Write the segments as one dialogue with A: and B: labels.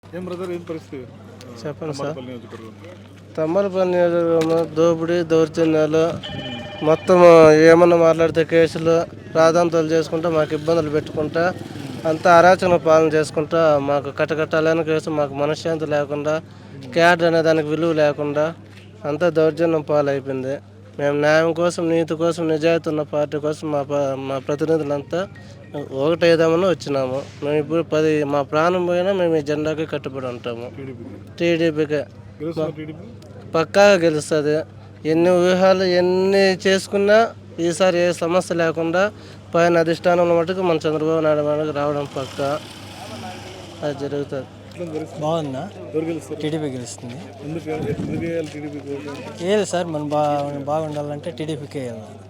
A: ఏం బ్రదర్ ఏం పరిస్థితి
B: చెప్పండి సార్.
A: తమ్మలపల్లి నియోజకవర్గం?
B: తమ్మలపల్లి నియోజకవర్గంలో దోపిడీ దౌర్జన్యాలు మొత్తం ఏమన్నా మాట్లాడితే కేసులు రాద్ధాంతాలు చేసుకుంటా మాకు ఇబ్బందులు పెట్టుకుంటా అంతా అరాచక పాలన చేసుకుంటా మాకు కట్టకట్టాలని కేసు మాకు మనశ్శాంతి లేకుండా క్యాడ్ అనే దానికి విలువ లేకుండా అంతా దౌర్జన్యం పాలైపోయింది. మేము న్యాయం కోసం నీతి కోసం నిజాయితీ ఉన్న పార్టీ కోసం మా ప్రతినిధులంతా ఒకటేదామని వచ్చినాము. మేము ఇప్పుడు మా ప్రాణం పోయినా మేము ఈ జెండాకి కట్టుబడి ఉంటాము. టీడీపీకే పక్కాగా గెలుస్తుంది. ఎన్ని వ్యూహాలు ఎన్ని చేసుకున్నా ఈసారి ఏ సమస్య లేకుండా పైన అధిష్టానంలో మటుకు మన చంద్రబాబు నాయుడు మనకు రావడం పక్క అది జరుగుతుంది.
C: బాగుందా? టీడీపీ గెలుస్తుంది. ఏది సార్ మనం బాగుండాలంటే టీడీపీకే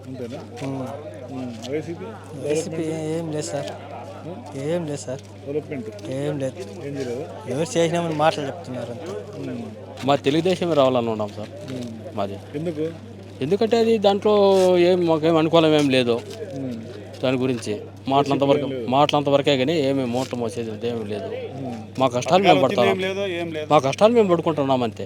C: వైసీపీ ఏం లేదు సార్, ఏం లేదు సార్, ఏం లేదు. ఎవరు చేసినామని మాటలు చెప్తున్నారు అంతే.
D: మా తెలుగుదేశం రావాలని ఉన్నాం సార్. మాది ఎందుకంటే అది దాంట్లో మాకేం అనుకూలం ఏం లేదు. దాని గురించి మాటలంతవరకే కానీ ఏమి మూట మోసేది ఏమీ లేదు. మా కష్టాలు మేము పడుకుంటున్నాం అంతే.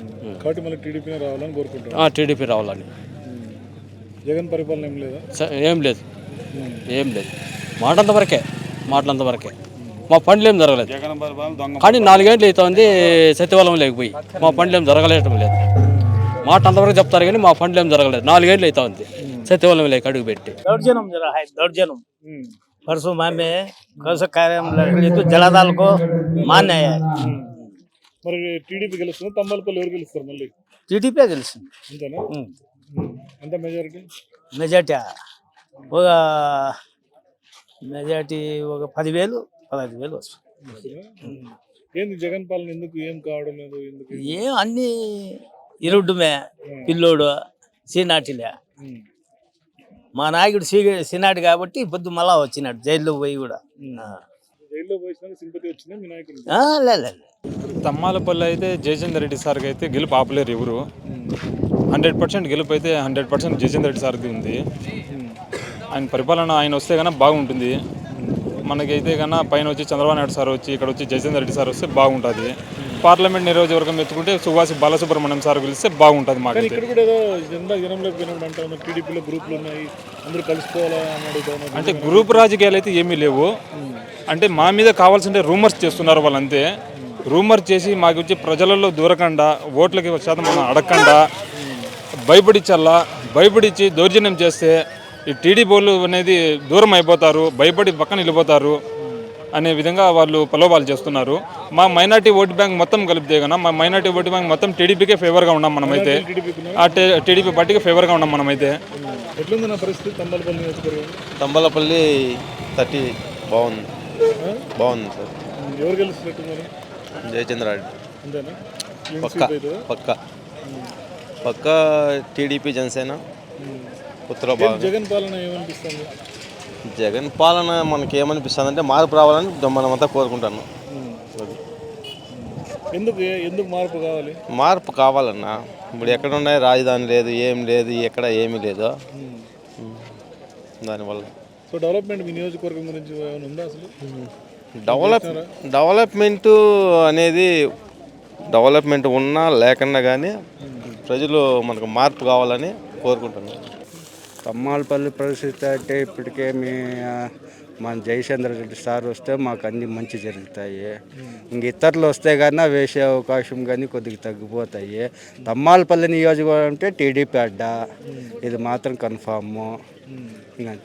D: టీడీపీ రావాలని.
A: జగన్ పరిపాలన
D: ఏం లేదు, మాటలంతవరకే. మా పనులు ఏం జరగలేదు. కానీ 4 గంటలు అవుతుంది సత్యవలం లేకపోయి మా పనులు ఏం జరగలేటం లేదు. మాట అంతవరకు చెప్తారు కానీ మా పనులు ఏం జరగలేదు. 4 గంటలు అవుతుంది సత్యవలం లేక అడుగు పెట్టి.
C: दौर्जन्य परसों में कैसे कार्य जलादाल को मान्य है.
A: మరి టీడీపీ గెలుస్తుంది. తమ్మలపల్లి ఎవరు గెలుస్తారు? మళ్ళీ
C: టీడీపీ గెలుస్తుంది.
A: అంతేనా? ఎంత మెజారిటీ?
C: మెజారిటీ ఒక 10,000-15,000 వస్తుంది.
A: ఏంది జగన్ పాలన ఎందుకు ఏం కావడం లేదు? ఎందుకు
C: ఏం అన్ని ఇరుడ్డుమే. పిల్లోడు సీనాటిలే. మా నాయకుడు సీనాటి కాబట్టి పొద్దు మళ్ళా వచ్చినాడు జైల్లో పోయి కూడా.
A: జైల్లో పోయినా సింపతి వచ్చిందా మీ నాయకుడు?
C: లేదు.
E: తమ్మాలపల్లి అయితే జయచంద్ర రెడ్డి సార్కి అయితే గెలుపు ఆపలేరు ఎవరు. 100% గెలుపు అయితే 100% జయచంద్ర రెడ్డి సార్ది ఉంది. ఆయన పరిపాలన ఆయన వస్తే కన్నా బాగుంటుంది. మనకైతే కన్నా పైన వచ్చి చంద్రబాబు నాయుడు సార్ వచ్చి ఇక్కడ వచ్చి జయచంద్ర రెడ్డి సార్ వస్తే బాగుంటుంది. పార్లమెంట్ నియోజకవర్గం ఎత్తుకుంటే సుభాష్ బాలసుబ్రహ్మణ్యం సార్ గెలిస్తే బాగుంటుంది. మాకు
A: ఇక్కడ కూడా ఏదో జనంలోకి పోయినప్పుడు అంటారు టీడీపీలో గ్రూపులు ఉన్నాయి, అందరూ కలిసిపోవాలా అని అడుగుతాను.
E: అంటే గ్రూప్ రాజకీయాలు అయితే ఏమీ లేవు. అంటే మా మీద కావాల్సింటే రూమర్స్ చేస్తున్నారు వాళ్ళంతే. రూమర్ చేసి మాకు వచ్చి ప్రజలలో దూరకుండా ఓట్లకి శాతం మనం అడగకుండా భయపడిచ్చి దౌర్జన్యం చేస్తే ఈ టీడీపీ వాళ్ళు అనేది దూరం అయిపోతారు, భయపడి పక్కన వెళ్ళిపోతారు అనే విధంగా వాళ్ళు ప్రలోభాలు చేస్తున్నారు. మా మైనార్టీ ఓటు బ్యాంక్ మొత్తం కలిపితే కన్నా మా మైనార్టీ ఓటు బ్యాంక్ మొత్తం టీడీపీకే ఫేవర్గా ఉన్నాం మనమైతే. టీడీపీ పార్టీకి ఫేవర్గా ఉన్నాం మనమైతే.
A: ఎట్లుంది నా పరిస్థితి తమ్మలపల్లి నియోజకవర్గం?
F: తమ్మలపల్లి 30 బాగుంది సార్.
A: ఎవరు గెలుస్తున్నట్టు మరి?
F: జయచంద్ర రెడ్డి
A: అంతేనా?
F: పక్క టీడీపీ జనసేన
A: జగన్ పాలన ఏమనిపిస్తుంది?
F: జగన్ పాలన మనకి ఏమనిపిస్తుంది అంటే మార్పు రావాలని మనమంతా కోరుకుంటాను.
A: ఎందుకు మార్పు కావాలి?
F: మార్పు కావాలన్నా ఇప్పుడు ఎక్కడ ఉన్నాయి రాజధాని లేదు, ఏం లేదు, ఎక్కడ ఏమీ లేదు. దానివల్ల
A: సో డెవలప్మెంట్ మీ నియోజకవర్గం గురించి ఏమైనా ఉందా అసలు?
F: డెవలప్మెంట్ అనేది డెవలప్మెంట్ ఉన్నా లేకున్నా కానీ ప్రజలు మనకు మార్పు కావాలని కోరుకుంటున్నాను.
B: తమ్మాలపల్లి పరిస్థితి అంటే ఇప్పటికే మన జయచంద్ర రెడ్డి సార్ వస్తే మాకు అన్ని మంచి జరుగుతాయి. ఇంక ఇతరులు వస్తే కానీ వేసే అవకాశం కానీ కొద్దిగా తగ్గిపోతాయి. తమ్మాలపల్లి నియోజకవర్గం అంటే టీడీపీ అడ్డా, ఇది మాత్రం కన్ఫాము. ఇంకంతే.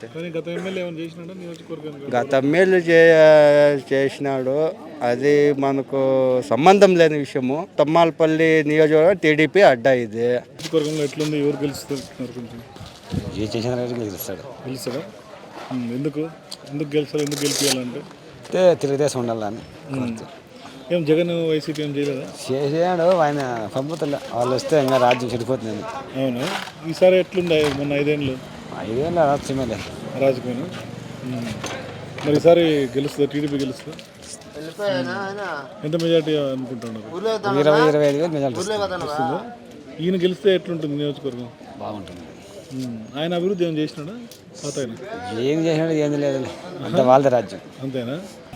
B: గత ఎమ్మెల్యే చేసినాడు, అది మనకు సంబంధం లేని విషయము. తమ్మాలపల్లి నియోజకవర్గం టీడీపీ అడ్డా. ఇది
A: ఎట్లుంది? ఎవరు గెలుస్తున్నారు? కొంచెం
D: జయచంద్ర రెడ్డి గెలుస్తాడా?
A: ఎందుకు గెలుస్తారు? ఎందుకు గెలిపించాలంటే
D: తెలుగుదేశం ఉండాలని.
A: ఏం జగన్ వైసీపీ ఏం చేయలేదా?
D: చేసాడు ఆయన పంపుతులే. వాళ్ళు వస్తే ఇంకా రాజ్యం చెడిపోతుంది.
A: అవునా? ఈసారి ఎట్లుండే? మొన్న 5 ఏళ్ళు రాజకీయం. మరి ఈసారి గెలుస్తుంది టీడీపీ గెలుస్తుంది. ఎంత మెజార్టీ అనుకుంటున్నారు?
D: 20-25 మెజార్టీ.
A: ఈయన గెలిస్తే ఎట్లుంటుంది నియోజకవర్గం?
D: బాగుంటుంది.
A: ఆయన అభివృద్ధి ఏం చేసినాడా?
D: ఏం చేసినాడు? ఏం లేదు, అంత వాళ్ళ రాజ్యం.
A: అంతేనా?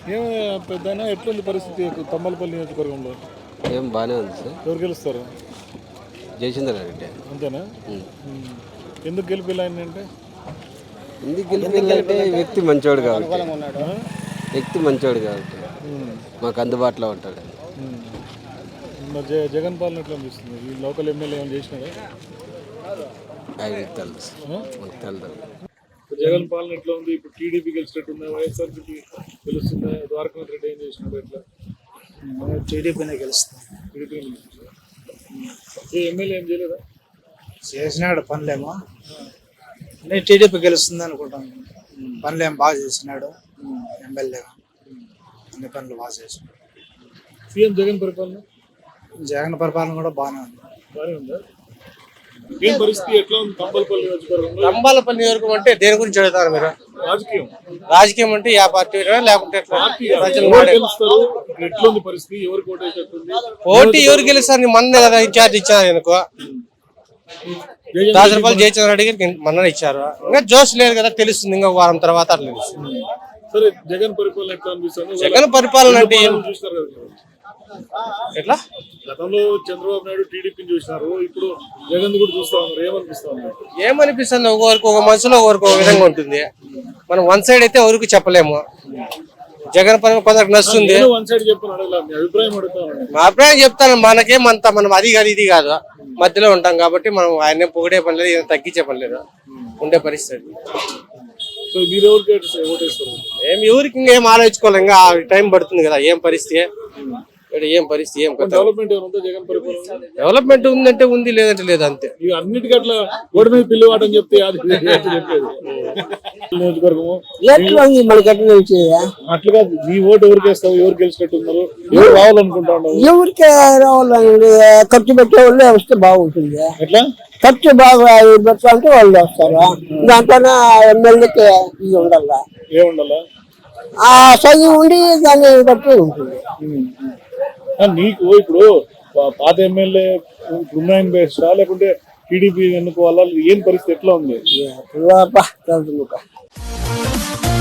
A: ఏం పెద్దనా ఎట్లుంది పరిస్థితి తమ్మలపల్లి నియోజకవర్గంలో?
G: ఏం బాగానే ఉంది సార్.
A: ఎవరు గెలుస్తారు?
G: జయచంద్ర రెడ్డి.
A: అంతేనా? ఎందుకు గెలిపిల్లా అంటే
G: ఎందుకు గెలిపిందంటే వ్యక్తి మంచోడు కాబట్టి, వ్యక్తి మంచోడు కాబట్టి మాకు అందుబాటులో ఉంటాడు.
A: మరి జగన్ పాలన ఎట్లా అనిపిస్తుంది? ఈ లోకల్ ఎమ్మెల్యే ఏమైనా చేసినారా?
G: ఆయన తెలుసు, మాకు తెలుసు.
A: జగన్ పాలన ఎట్లా ఉంది? ఇప్పుడు టీడీపీ గెలిచినట్టుందా? వైఎస్ఆర్సీపీ గెలుస్తుందా? ద్వారకానాథ్ రెడ్డి ఏం చేసినాడు? ఎట్లా?
H: టీడీపీనే గెలుస్తుంది.
A: టీడీపీ ఎమ్మెల్యే ఏం చేయలేదా?
H: చేసినాడు పనులేమో, నేను టీడీపీ గెలుస్తుంది అనుకుంటాను. పనులేం బాగా చేసినాడు ఎమ్మెల్యే, అన్ని పనులు బాగా చేసినాడు.
A: సీఎం జగన్ పరిపాలన?
H: జగన్ పరిపాలన కూడా బాగానే ఉంది.
A: బాగానే ఉందా? ఏం పరిస్థితి ఎట్లా ఉంది తంబలపల్లి నియోజకవర్గంలో?
B: తంబాలపల్లి నియోజకవర్గం అంటే దేని గురించి అడుగుతారు మీరు?
A: రాజకీయం
B: రాజకీయం అంటే యా పార్టీ లేకుంటే
A: ఎవరు గెలుస్తారు? ఎట్లా ఉంది పరిస్థితి? ఎవరు కోటేటట్టుంది?
B: పోటీ ఎవరు గెలుస్తారు? మొన్నే కదా ఇన్ఛార్జ్ ఇచ్చారు అనుకో, దాసరపల్లి జయచంద్ర రెడ్డి గారికి మొన్న ఇచ్చారు. ఇంకా జోష్ లేదు కదా, తెలుస్తుంది ఇంకా వారం తర్వాత అట్లా తెలుస్తుంది.
A: సరే, జగన్ పరిపాలన ఎట్లా అనిపిస్తుంది?
B: జగన్ పరిపాలన అంటే
A: చూస్తారు కదా,
B: ఎట్లా?
A: గతంలో చంద్రబాబు నాయుడు టీడీపీని చూసినారు, ఇప్పుడు జగన్ కూడా చూస్తా ఉన్నారు. ఏమనిపిస్తా ఉన్నారు?
B: ఏమనిపిస్తుంది? ఒకరికి ఒక మనసులో ఒకరికి ఒక విధంగా ఉంటుంది. మనం వన్ సైడ్ అయితే ఎవరికి చెప్పలేము. జగన్ పరిపాలన కొందరికి నచ్చుతుంది.
A: వన్ సైడ్ చెప్పని అడగల, మీ అభిప్రాయం అడుగుతాను.
B: మా అభిప్రాయం చెప్తాను. మనకేమంత మనం అది కాదు ఇది కాదు, మధ్యలో ఉంటాం కాబట్టి మనం ఆయన పొగిడే పని లేదు, ఏం తగ్గించే పని లేదు, ఉండే పరిస్థితి.
A: సో మీరు ఎవరికి ఓటేస్తారు?
B: ఎవరికి ఇంకేం ఆలోచించుకోవాలి, ఇంకా టైం పడుతుంది కదా. ఏం పరిస్థితి, ఏం పరిస్థితి, ఏం
A: డెవలప్మెంట్ ఏమైనా ఉందా జగన్ పరిపాలన?
B: డెవలప్మెంట్ ఉందంటే ఉంది, లేదంటే లేదు, అంతే.
A: ఇక అన్నిటికీ అట్లా గోడ మీద పిల్లి వాటని చెప్తే అది చెప్పేది. నియోజకవర్గము అట్లుగా నీ ఓటు ఎవరికి వేస్తావు? ఎవరు గెలిచినట్టు ఉన్నారు? ఎవరు రావాలనుకుంటా ఉన్నావు?
I: ఎవరికి రావాలండి? ఖర్చు పెట్టే వాళ్ళే వస్తే బాగుంటుంది.
A: ఎట్లా
I: ఖర్చు బాగా పెట్టాలంటే వాళ్ళు వస్తారు. దాంట్లోనే ఎమ్మెల్యేకి ఇది ఉండాల,
A: ఏముండాలా?
I: ఆ సైన్ ఉండి దాన్ని బట్టి ఉంటుంది.
A: నీకు ఇప్పుడు పాత ఎమ్మెల్యే ఉన్నాయని బెస్టా లేకుంటే టీడీపీ ఎన్నుకోవాలా? ఏం పరిస్థితి ఎట్లా ఉంది?
I: తెలుసు.